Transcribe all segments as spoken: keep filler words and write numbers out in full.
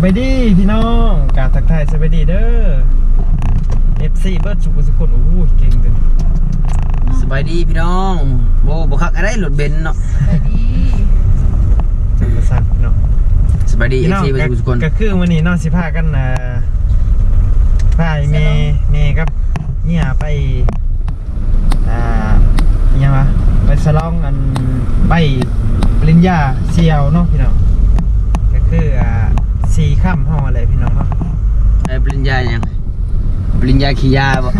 บายดีพี่น้องกาทักทายสบายดีเด้อ เอฟ ซี เบิร์ดสุขุสุขุนโอ้ยเก่งจังสบายดีพี่น้องโว้บ่คักอะไรรถเบนซ์เนาะสบายดีจังประสาทเนาะสบายดีพี่เอฟน้องซีไปทุกคนก็คือวันนี้น้องสิพากันนะพาเมเมครับเนี่ยไปอ่ายังวะไปสลองอันใบปริญญาเซียวเนาะพี่น้องก็คืออ่าสี่ค่ำห้องอะไรพี่น้องเนาะไอ้ปริญญายังปริญญาขี้ยาบ่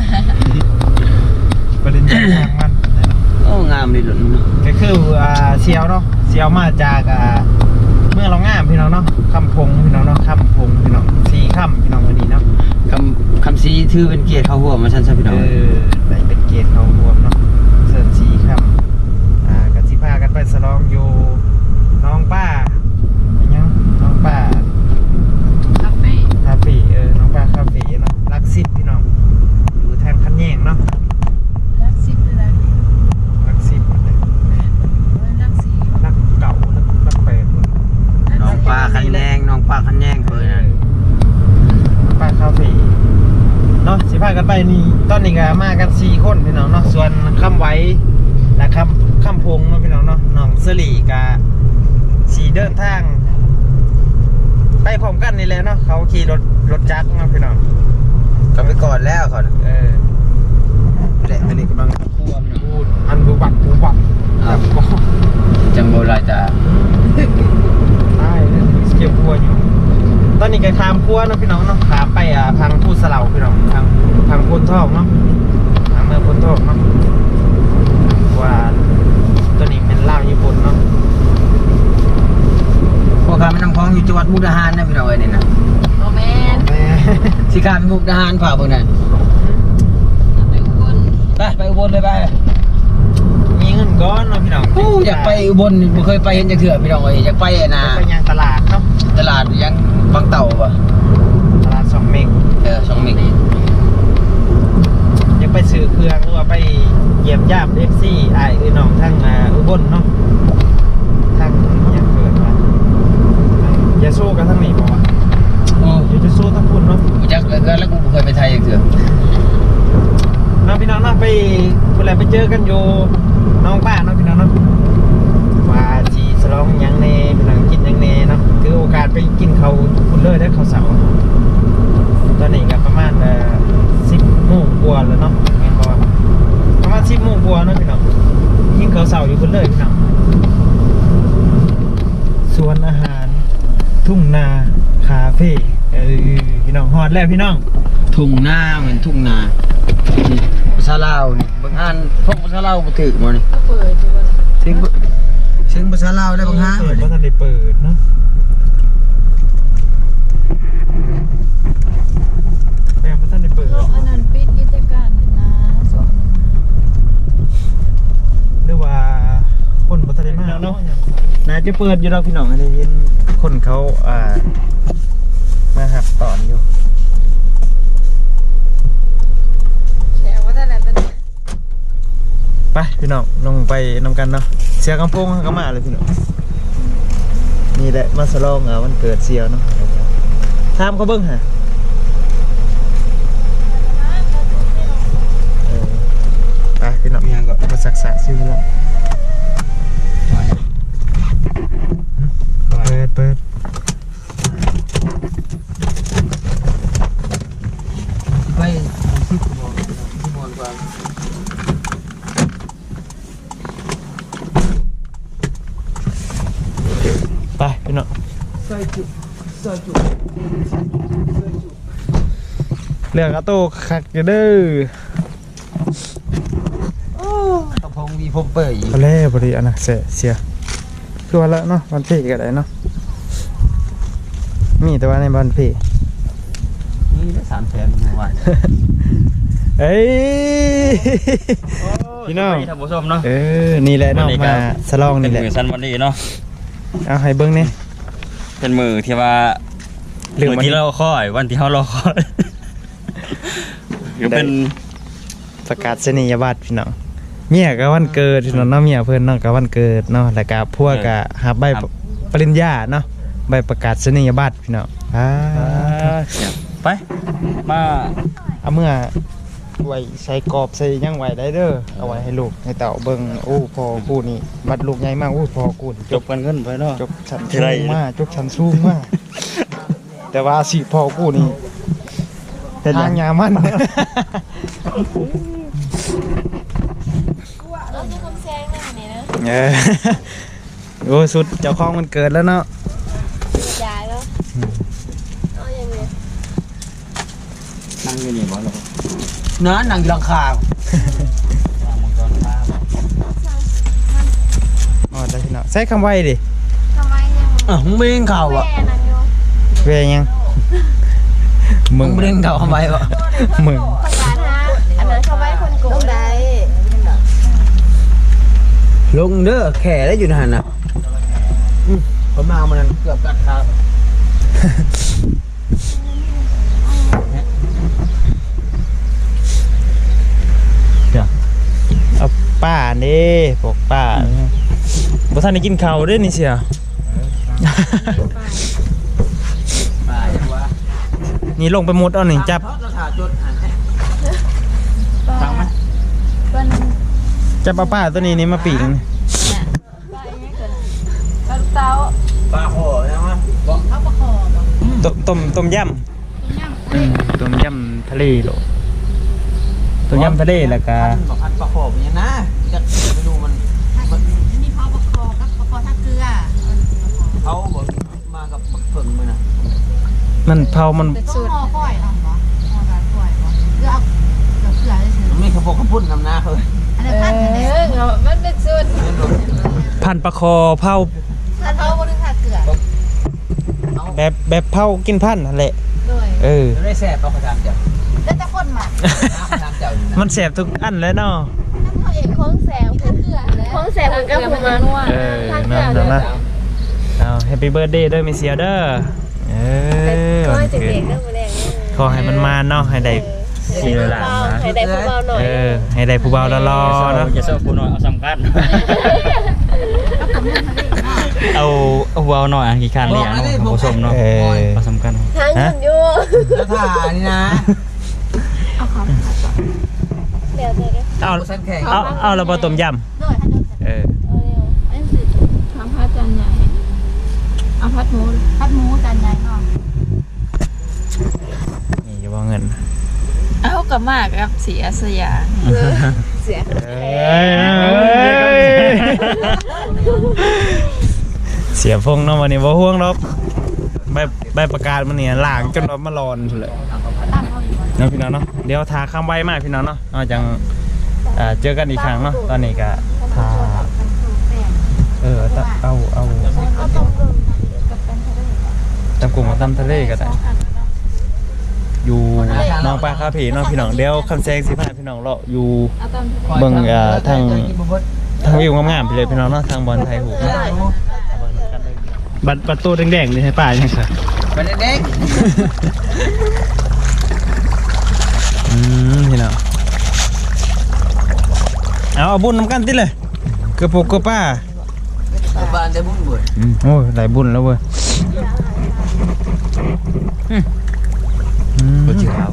ปริญญาทางมันโอ้งามเลยรถเนาะก็คืออ่าเซียวเนาะเซียวมาจากอ่าเมื่อเรางามพี่น้องเนาะคำพงพี่น้องเนาะคำพงพี่น้องสี่ค่ำพี่น้องวันนี้เนาะคำคำซีถือเป็นเกียรติเข้าหัวมาชั้นซะพี่น้องเออได้เป็นเกตเขารวมเนาะเสิร์ฟสี่ค่ำอ่ากันสิพากันไปสลองอยู่น้องป้าอย่างเงี้ยน้องป้าคาเฟ่คาเฟ่เออน้องป้าคาเฟ่เนาะรักสิบพี่น้องอยู่ทางคันแยงเนาะรักซิปเลยนะรักสิบเลยรักสีรักเก่ารักรักแปลกน้องปลาคันแยงน้องปลาคันแยงเพิ่นน่ะป้าคาเฟ่เนาะสิพากันไปนี่ตอนนี้ก็มากันสี่คนพี่น้องเนาะส่วนคำไว้และคำคำพงเนาะพี่น้องเนาะน้องเสลีกาสีเดินทางไปพร้อมกันนี่แหละเนาะเขาขี่รถรถจักรเนาะพี่น้องก็ไปก่อนแล้วก่อนเออแหละอันนี้กำลังเข้าครัวพี่น้องพูดอันบูบักบูบักจับก็จังโบราณจ้ะใช่เลยเกี่ยวพัวอยู่ตอนนี้ก็ขามพัวเนาะพี่น้องเนาะขามไปอ่าทางทูตสลาพี่น้องทางทางพ้นทอกเนาะทางเมืองพ้นทอกเนาะว่าตัวนี้เป็นลาวญี่ปุ่นเนาะพวกข้าแม่น้ำคลองอยู่จังหวัดมุกดาหารนะพี่น้องเอ้ยนี่นะโรแมนแม่สิข้ามไปมุกดาหารฝ่าเพิ่นน่ะไปอุบลไปไปอุบลเลยไปมีเงินก้อนเนาะพี่น้องโอ้อยากไปอุบลบ่เคยไปเห็นจักเทื่อพี่น้องเอ้ยอยากไปอะนะไปยังตลาดเนาะตลาดยังบางเต่าป่ะตลาดสองเมกเออสองเมกยังไปซื้อเครื่องหรือว่าไปเยี่ยมญาติเอฟซีไอ้คือน้องทั้งอ่าอุบลเนาะทั้งยังเกิดมาอย่าสู้กันทั้งนี้บอกว่าโอ้อย่าจะสู้ทั้งคุณเนาะกูจักเกินแล้วกูบ่เคยไปไทยจักเทื่อน้องพี่น้องเนาะไปเวลาไปเจอกันอยู่น้องป้าเนาะพี่น้องเนาะว่าจีสลองยังเนพี่น้องกินยังเนเนาะถือโอกาสไปกินเขาคุณเลิศได้เขาเสาตอนนี้ก็ประมาณเอ่อสิบโมงกว่าแล้วเนาะแม่นบอกประมาณสิบโมงกว่าเนาะพี่น้องกินเขาเสาอยู่คุณเลิศพี่น้องสวนอาหารทุ่งนาคาเฟ่เออพี่น้องฮอดแล้วพี่น้องทุ่งนาเหมือนทุ่งนาภาษาลาวนี่บางอันพวกภาษาลาวบ่ถึกบ่นี่ก็เปิดอยู่บนถึงถึงภาษาลาวได้บางหาเปิบ่ดนี่ว่าท่านได้เปิดเนาะแม่ว่าท่านได้เปิดโลกอันนั้นปิดกิจการนะสองหนึ่งหรือว่าคนบัตรได้มากเนาะน่าจะเปิดอยู่แล้วพี่น้องอันนี้เห็นคนเขาอ่ามาหับตอนอยู่แชร์ว่าแต่ไหนตอนนี้ไปพี่น้องลงไปนำกันเนาะเสียกำพงก็มาเลยพี่น้องนี่แหละมาสลองอ่ะวันเกิดเสียวเนาะทามเขาเบิ้งฮะเออไปพี่น้องยังก็มาสักษาซื้อแล้วเปิดเปิดไปสิบโมงสิบโมงกว่าไปพี่น้องใส่จุใส่จุเรื่องอาโต้คักอยู่เด้อโอ้กระพงมีผมเปิดอีกพอแล้วพอดีอันนะเสียเสียตัวละเนาะวันพี่ก็ได้เนาะมีแต่ว่าในวันพี่นี่ได้สามแสนเมื่อวานเอ้ยพี่น้องท่านผู้ชมเนาะเออนี่แหละน้องมาสลองเป็นี่นแหละมือสั้นวันนี้เนาะเอาให้เบิ้งนี่เป็นมือที่ว่าเรื่องมือวันที่เราคอยวันที่เรารอคอยก็เป็นประกาศนียบัตรพี่น้องเมียก็วันเกิดพี่น้องเนาะเมียเพิ่นเนาะก็วันเกิดเนาะแล้วก็พวกก็หาใบปริญญาเนาะใบประกาศนียบัตรพี่น้องอ่าไปมาเอาเมื่อไว้ใส่กรอบใส่หยังไว้ได้เด้อเอาไว้ให้ลูกให้เต่าเบิ่งโอ้พอกูนี่บัดลูกใหญ่มากโอ้พอกูนี่จบกันเงินไปเนาะจบชั้นสูงมากจบชั้นสูงมากแต่ว่าสิพอกูนี่ทางยามันเราดูคนแซงหน้านี่นะเออโอ้สุดเจ้าของมันเกิดแล้วเนาะยายแล้วเอาอย่างนี้นั่งอยู่นี่บ่ล่ะน้านั่งอยู่หลังคาอ๋อได้พี่น้องใส่คำไว้ดิทำไมยังอ่ะมึงไม่เล่นข่าวแม่อ่ะนั่นอยู่เวยยังมึมึงงไม่เล่นข่าวทำไมวะมึงประกาศฮะอันนั้นเขาไว้คนโกงได้ลงเด้อแข่ได้อยู่นั่นน่ะอืมผมมามันเกือบกัดขาเอาป้านี่พวกป้าบ่ทันได้กินข้าวเด้นี่เสียป้าอย่างว่านี่ลงไปมุดเอาหนึ่งจับเราถ่าจดอ่านฟังไหมเป็นจับเอาป้าตัวนี้นี่มาปีกนี่ปลาอย่างนี้เกิดปลาเต้าป้าขอใช่ไหมบอกเอาปลาคอบ่ต้มต้มต้มยย่างำอืมต้มยำทะเลโหลต้มยำทะเลแล้วก็บอกพันป้าขอเป็นยังนะจะเมนูมันนี่เขาปลาคอกับปลาคอท่าเกลือเขาบอกมากับเพิ่งมันน่ะมันเผามันเป็นสูตรห่อก้อยเนาะบ่ห่อได้ก้อยบ่เกลือเอาเกลือเกลือได้สิมันไม่ขบกขพุ่นนำหน้าเลยอันนั้นพันธุ์เนี่ยเออมันเป็นสูตรพันปลาคอเผาถ้าเขาบ่ได้ทาเกลือแบบแบบเผากินพันธุ์นั่นแหละด้วยเออได้แซ่บเขาประจำเจ้าแล้วแต่คนมาประจำเจ้าอยู่นะมันแสบทุกอันเลยเนาะเขาเองของแสบทาเกลือแล้วของแสบมันก็ประมาณว่าเออนั่นนั่นนะเอาแฮปปี้เบิร์ดเดย์ด้วยมิเซียเด้อเออวันเกิดขอให้มันมาเนาะให้ได้สี่หลานนะให้ได้ผู้เบาหน่อยเออให้ได้ผู้เบาละรอเนาะอย่าเศร้าผู้น้อยเอาสำคัญเอาเอาเบาหน่อยกี่คันเลี้ยงของผู้ชมเนาะเออเอาสำคัญทางยืนอยู่แล้วถ่านี่นะเดี๋ยวเดี๋ยวเอาสันแข่งเอาเอาระเบิดต้มยด้วยท่านำเออเอาเร็วอันนี้ทำพัดจานใหญ่เอาพัดหมูพัดหมูจานใหญ่เนาะนี่จะว่าเงินเอากับมากกับสีอาสยาเสียเอ้ยเสียพงเนาะวันนี้บ่ห่วงหรอกใบใบประกาศมันเนี่ยล่างจนรถมาร้อนเลยเนาะพี่น้องเนาะเดี๋ยวทาข้ามใบมากพี่น้องเนาะเอาจังเอ่อเจอกันอีกครั้งเนาะตอนนี้ก็ทาเออตะเอาเอาเอาต้มกึ่งกับเป็นทะเลตำกุ้งมาตำทะเลก็ได้อยู่น้องปลาคาผีเนาะพี่น้องเดี๋ยวคำแซงสิพาพี่น้องเลาะอยู่เอาต้มทะเลเบิ่งเอ่อทางทางวิวงามๆไปเลยพี่น้องเนาะทางบอลไทยหูบัตรประตูแดงๆนี่ให้ป้ายังครับไปเด็กอืมพี่น้องเอาเอาบุญนำกันติเลยกระปุกกระป้าบ้านได้บุญบุญอืมโอ้ยหลายบุญแล้วเว้ยอืมอืมก็เชื่อเอา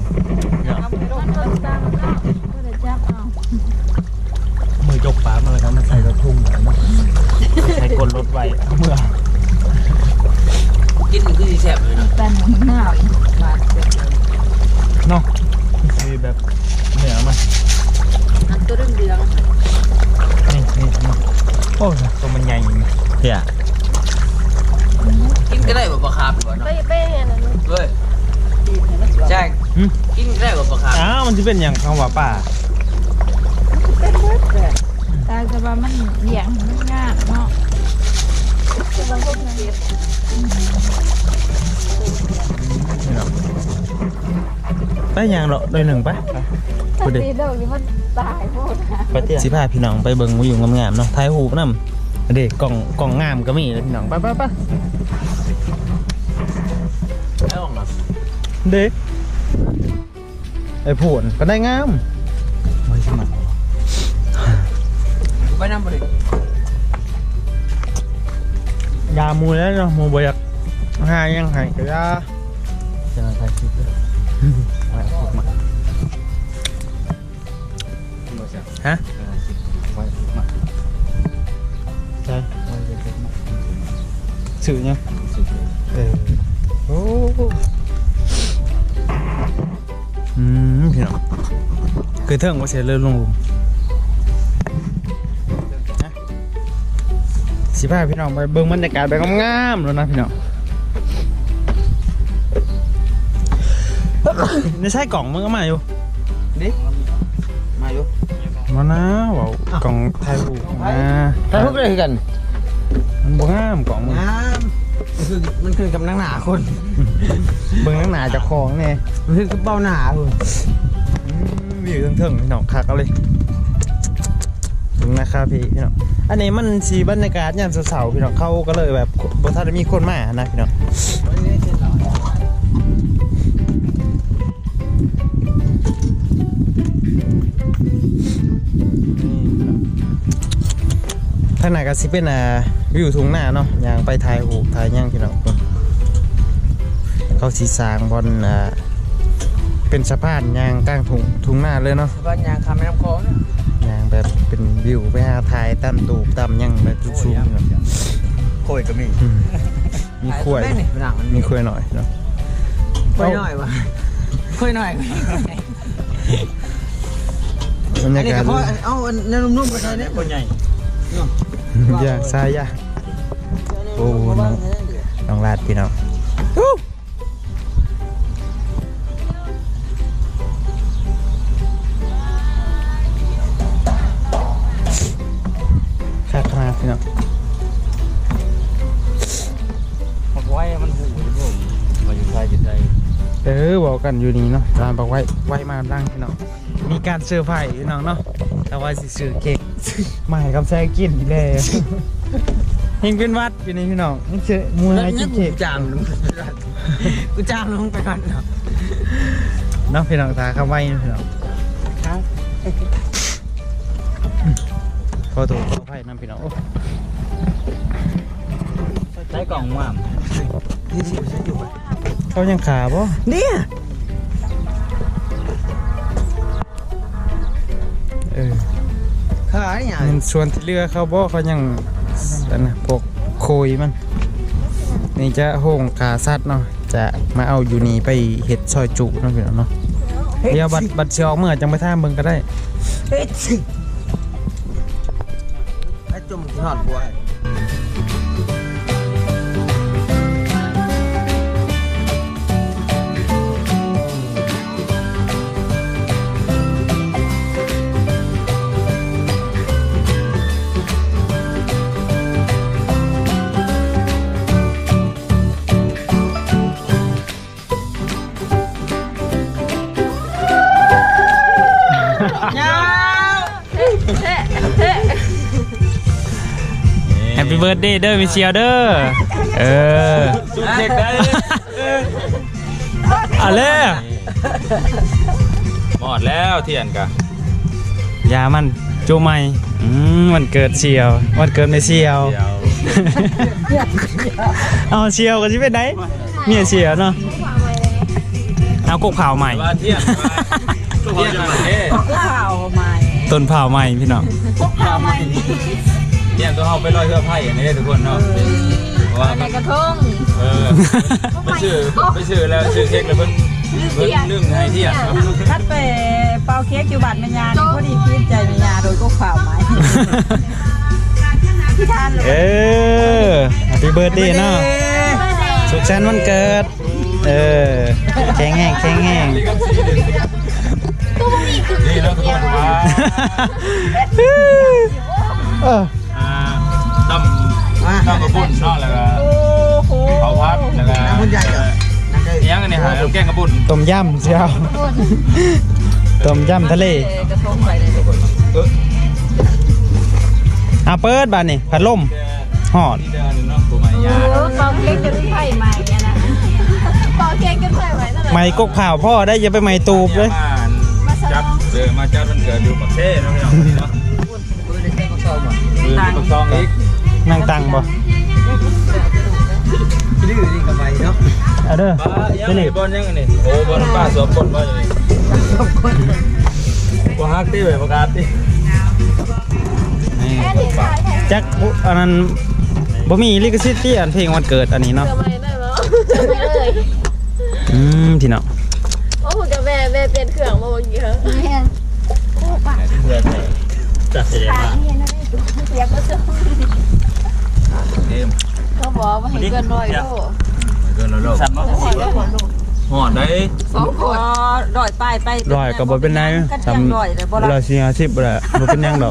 มือยกฝามาแล้วครับมันใส่รถทุ่งแบบนั้นใส่กลรถไว้เมื่อกินมันคือแซ่บเลยนะเป็นหน้าอีกบาทเดียวเนาะมีแบบเหนือมาอันตัวเรื่องเดืองนี่นี่นี่โอ้ยตัวมันใหญ่เพี่ยกินก็ได้แบบปลาคาร์ฟก่อนไปเนาะไปเนี่ยนะเฮ้ยแจ้งหึกินก็ได้แบบปลาคาร์ฟอ้าวมันจะเป็นอย่างคำว่าป่าเป็นเบิดเลยตาจะว่ามันเหลี่ยงมันยากเนาะจะบางคนเจ็บนี่เนาะไปอย่างเหรอโดยหนึ่งไปไปดิตีเด็กนี่มันตายหมดนะไปเที่ยวสิพาพี่น้องไปเบิ่งวิวงามๆเนาะถ่ายรูปนำเด็กกล่องกล่องงามก็มีนะพี่น้องไปไปไปไม่ออกหรอกเด็กไอ้ผวนก็ได้งามไม่สมัครไปน้ำบริยามูแล้วเนาะมูบอยากหายังไงก็ได้จะมาถ่ายคลิปด้วยไว้พวกมาบ่ใช่ฮะไว้พวกมาใช่ไว้พวกมาสื่อยังสุดเลยเออโอ้อืมพี่น้องคือเทิงว่าเสียเลื่อนลงหลุมนะสิพาพี่น้องไปเบิ่งบรรยากาศแบบงามๆแล้วนะพี่น้องในใช่กล่องมึงก็มาอยู่ดิมาอยู่มานะว้าวกล่องไทยหูมาถ่ายรูปเลยกันมันบ่งามกล่องมึงงามมันคือมันคือกับนังหนาคนเบิ่งนังหนาจากของเนี่ยมันคือกับเบ้าหนาคนวิวเทิงๆพี่น้องคักเอาเลยถึงนะครับพี่พี่น้องอันนี้มันสีบรรยากาศยามเสาร์ๆพี่น้องเขาก็เลยแบบบ่ทันได้มีคนมานะพี่น้องทางไหนก็สิเป็นอ่าวิวทุ่งนาเนาะยางไปถ่ายหูปถ่ายหยังพี่น้องเขาสีสร้างบนอ่าเป็นสะพานยางกลางทุ่งทุ่งนาเลยเนาะบ้านยางคำแม่น้ำคลองเนี่ยยางแบบเป็นวิวไปหาถ่ายตามตูบตามหยังแบบสูงๆพี่น้องโคยก็มีอืมมีขวยหนังมันมีขวยหน่อยเนาะคุยหน่อยวะคุยหน่อยบรรอัยานนี้กาศก็เพราะเอาเนื้อนุ่มๆมาใส่เนี่ยคนใหญ่ยากทรายยากโอ้น้องน้องลาดพี่น้องข้าขนาดพี่น้องบอกไว้มันหูผมมาอยู่ไทยอยู่ไทยเออบอกกันอยู่นี่เนาะร้านบอกไว้ไว้มาดังพี่น้องมีการเซอร์ไพรส์พี่น้องเนาะแต่ว่าสิซื้อเค้กมาให้กำแซงกินอีกแล้วเฮงเป็นวัดอยู่นี่พี่น้องนี่เชื่อมูนให้กินเค้กจางลงกูจางลงไปก่อนเนาะเนาะพี่น้องตาเข้าไว้นะพี่น้องขอตัวขออภัยนะพี่น้องโอ้ได้กล่องว่ามนี่สิฉันอยู่เขายังขาบ่เนี่ยเออขายเนี่ยมันส่วนที่เรือเขาบ่เขายังอันนะพวกโคยมันนี่จะโห่งขาสัตว์เนาะจะมาเอาอยู่นี่ไปเห็ดซอยจุเนาะพี่น้องเนาะเดี๋ยวบัดบัดเชียวเมื่อจังไปท่ามเบิ่งก็ได้เฮ้ยไอ้จุ่มที่หอดบัวแฮปปี้เบิร์ดเดย์เด้อมิเชียเด้อเออจุดเด็กได้เอาเลยหมดแล้วเทียนกะยามันจูใหม่อืมวันเกิดเชียววันเกิดไม่เชียวเดี๋ยวเอาเชียวกันใช่ไหมได้เมียเชียวเนาะเอากบข่าวใหม่ว่าเทียนว่าเทียนมาเท่ข่าวใหม่ต้นเผาใหม่พี่น้องข่าวใหม่เทียนตัวเอาไปลอยเสื้อไผ่อันนี้ทุกคนเนาะเพราะว่าในกระทงเออไปชื่อไปชื่อแล้วชื่อเค้กแล้วเพิ่นเพิ่นนึ่งให้เทียนครับคัดไปเป่าเค้กอยู่บัตรแม่ยานี่พอดีคิดใจแม่ยาโดยก็ข่าวไหมที่ทานเลยเออแฮปปี้เบิร์ดเดย์เนาะสุขสันต์วันเกิดเออแข็งแห้งแข็งแห้งนี่แล้วทุกคนว่าเอออ่าตั้มตั้มกระปุ่นเนาะแล้วก็โอ้โหเผาพัดแล้วก็น้ำมันใหญ่เหรอยังอันนี้หาแกงกระปุ่นต้มยำเชียวต้มยำทะเลกระทงไปเลยเอออ่ะเปิดบ้านนี่พัดลมหอดที่เดินเนาะตัวใหม่ยาเออเป่าเค้กจนไข่ใหม่เนี่ยนะเป่าเค้กจนไข่ใหม่นั่นแหละไม่กกเผาพ่อได้อย่าไปไม่ตูบเลยมาจัดเออมาจัดวันเกิดอยู่ปักเซ่เนาะพี่น้องนี่เนาะปืนในแก้งก็ชอบว่ะคือปักซองอีกนั่งตังบ่ที่ลื้อนี่ก็ไปเนาะเอาเด้อป้ายังนี่บอลยังนี่โอ้บอลป้าสวมบอลว่าอย่างนี้บ่ฮักตีแบบประกาศตีนี่แจ็คอันนั้นบ่มีลิขสิทธิ์ที่อันเพลงวันเกิดอันนี้เนาะทำไมได้เหรอทำไมเลยอืมพี่น้องโอ้โหกับแม่แม่เปลี่ยนเครื่องมาเมื่อกี้เหรอจัดเสียมาเขาบอกว่าให้เกินร้อยโลเกินแล้วโลกหอดได้สองคนร้อยป้ายไปร้อยก็บ่เป็นไรกันทยังร้อยเลยบ่ำล่ะร้อยสี่ห้าสิบบ่ได้บ่เป็นหยังดอก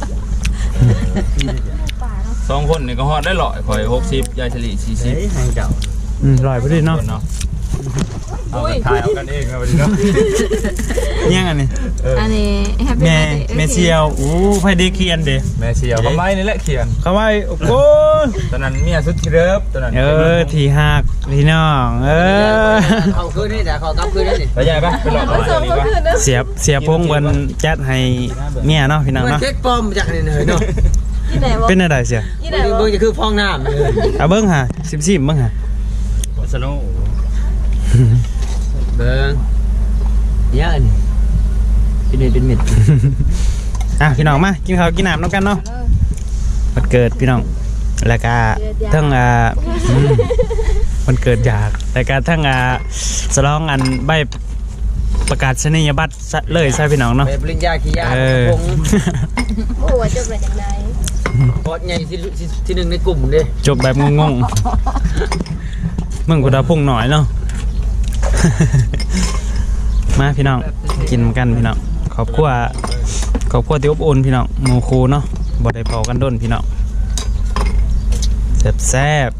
สองคนนี่ก็หอดได้หล่อยข่อยหกสิบยายเฉลี่ยสี่สิบเฮ้ยให้เจ้าอืมร้อยพอดีเนาะเนาะเอากันทายเอากันเองครับวันนี้เนาะยังอันนี้อันนี้แฮปปี้แม่แม่เชียวอู้ไผได้เขียนเด้แม่เชียวเขาไม่นี่แหละเขียนเขาว่าโอ้โหตอนนั้นเมียสุดที่เลิฟตอนนั้นเออที่หักพี่น้องเออเขาคืนนี่แต่เขากลับคืนนี่ไปใหญ่ปะไปหลอกผมาสมนี่ก็ปะคือนะเสียบเสียพงเพิ่นจัดให้เมียเนาะพี่น้องมันเนาะเค้กปลอมจากนี่เลยเนาะที่ไหนวะเป็นอะไรเสียที่ไหนเบิ่งวะจะคือฟองน้ำเลยเอาเบิ่งหาสิบสิบเบิ่งหาสนุกเบิ่งเยอะนี่เป็นเม็ดเป็นเม็ดอ่ะพี่น้องมากินข้าวกินน้ำน้ำกันเนาะวันเกิดพี่น้องแล้วก็ทั้งอ่าอืมวันเกิดอยากแล้วก็ทั้งอ่าสลองอันใบประกาศนียบัตรซะเลยใช่พี่น้องเนาะไปปริญญาขี้ยาเออคงโอ้โหจบมาจากไหนพอดใหญ่ที่ที่ที่หนึ่งในกลุ่มเด้จบแบบงงๆมึงกูดาพุ่งหน่อยเนาะ มาพี่น้องกินกันพี่น้องขอบคุณขอบคุณที่อบอุ่นพี่น้องหมูคูเนาะบ่ได้เผากันด้นพี่น้องแซ่บแซ่บ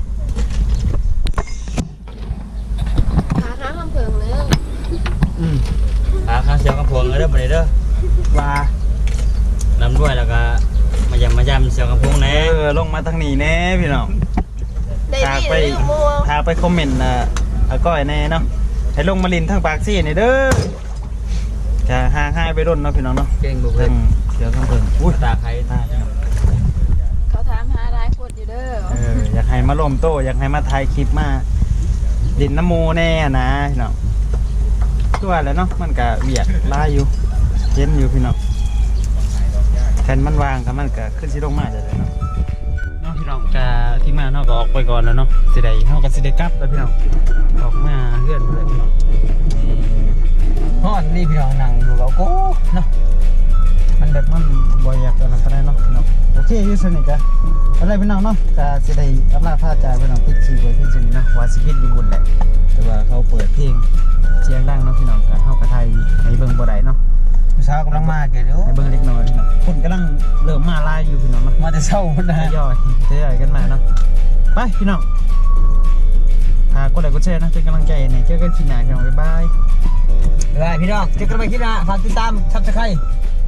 ขาข้างคำเพิงเลยอืมอ่าข้างเสียงกระพวงเลยเด้อบ่ได้เด้อว่าลำด้วยแล้วก็มายำมายำเสียงกระพวงแน่เออลงมาทางนี้แน่พี่น้องได้พาดีไปเลยมัวพาไปคอมเมนต์อ่ะอาก้อยแน่เนาะให้ลงมาลินทางปากซี่นี่เด้อจะห่างหายไปด้นเนาะพี่น้องเนาะเก่งบุกเลทาย งเดี๋ยวข้างเพิ่งอุ้ยตาใครตาเขาถามหาหลายคนอยู่เด้อเอออยากให้มาลมโตอยากให้มาถ่ายคลิปมาดินน้ำมูแน่นะพี่น้องตัวาแหล้วเนาะมันก็เวียดลายอยู่เย็นอยู่พี่น้องแทนมันวางครับมันก็ขึ้นสิลงมาได้เลยเนาะเนาะพี่น้องกะที่มาเนาะก็ออกไปก่อนแล้วเนาะสิได้เฮาก็สิได้กลับแล้วพี่น้องออกมาเฮือนเลยพี่น้องฮ้อนนี่พี่น้องนั่งอยู่กับกูเนาะมันแบบมันบ่อยากอันนั้นปานใดเนาะพี่น้องโอเคอยู่สนิทจ้ะอะไรพี่น้องเนาะก็สิได้อำลาพาจากพี่น้องปิดชีไว้เพียงเท่านี้เนาะว่าสิปิดอยู่บุญแหละแต่ว่าเขาเปิดเพลงเสียงดังเนาะพี่น้องก็เฮาก็ถ่ายให้เบิ่งบ่ได้เนาะผู้สาวกำลังมาเกเด้อให้เบิ่งเล็กน้อยพี่น้องคนกำลังเริ่มมาลายอยู่พี่น้องเนาะมาแต่เช้าพุ่นทนะยอยทยอยกันมาเนาะไปพี่น้องฝากกดไลค์กดแชร์นะเป็นกำลังใจให้เจอกันคลิปหน้าพี่น้องบ๊ายบายบ๊ายบายพี่น้องเจอกันใหม่คลิปหน้าฝากติดตาม Subscribe